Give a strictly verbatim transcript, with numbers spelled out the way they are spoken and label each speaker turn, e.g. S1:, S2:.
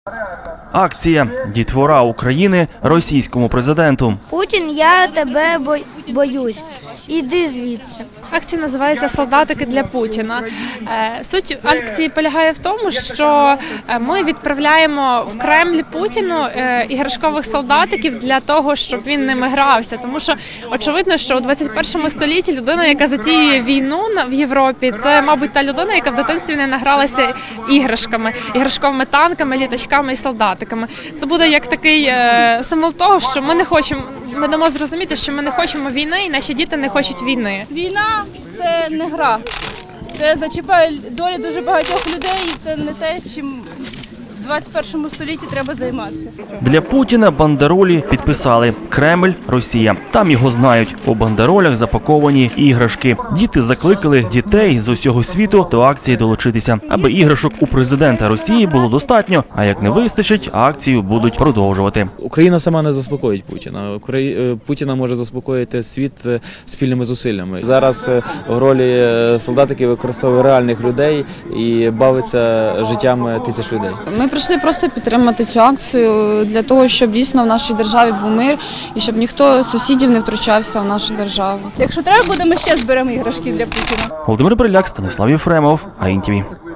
S1: Акція «Дітвора України російському президенту».
S2: Путін, я тебе боюсь. Іди звідси.
S3: Акція називається «Солдатики для Путіна». Суть акції полягає в тому, що ми відправляємо в Кремль Путіну іграшкових солдатиків для того, щоб він ними грався. Тому що очевидно, що у двадцять першому столітті людина, яка затіює війну в Європі, це, мабуть, та людина, яка в дитинстві не награлася іграшками, іграшковими танками, літачками і солдатиками. Це буде як такий символ того, що ми не хочемо, ми дамо зрозуміти, що ми не хочемо війни, і наші діти не хочуть війни.
S4: Війна – це не гра, це зачіпає долі дуже багатьох людей, і це не те, чим в двадцять першому столітті треба займатися.
S1: Для Путіна бандеролі підписали «Кремль, Росія». Там його знають. У бандеролях запаковані іграшки. Діти закликали дітей з усього світу до акції долучитися, аби іграшок у президента Росії було достатньо, а як не вистачить, акцію будуть продовжувати.
S5: Україна сама не заспокоїть Путіна. Путіна може заспокоїти світ спільними зусиллями. Зараз в ролі солдатиків використовує реальних людей і бавиться життям тисяч людей.
S6: Ми прийшли просто підтримати цю акцію для того, щоб дійсно в нашій державі був мир і щоб ніхто з сусідів не втручався в нашу державу.
S4: Якщо треба буде, ми ще зберемо іграшки для Путіна.
S1: Володимир Бриляк, Станіслав Єфремов, АІН-ТІВІ.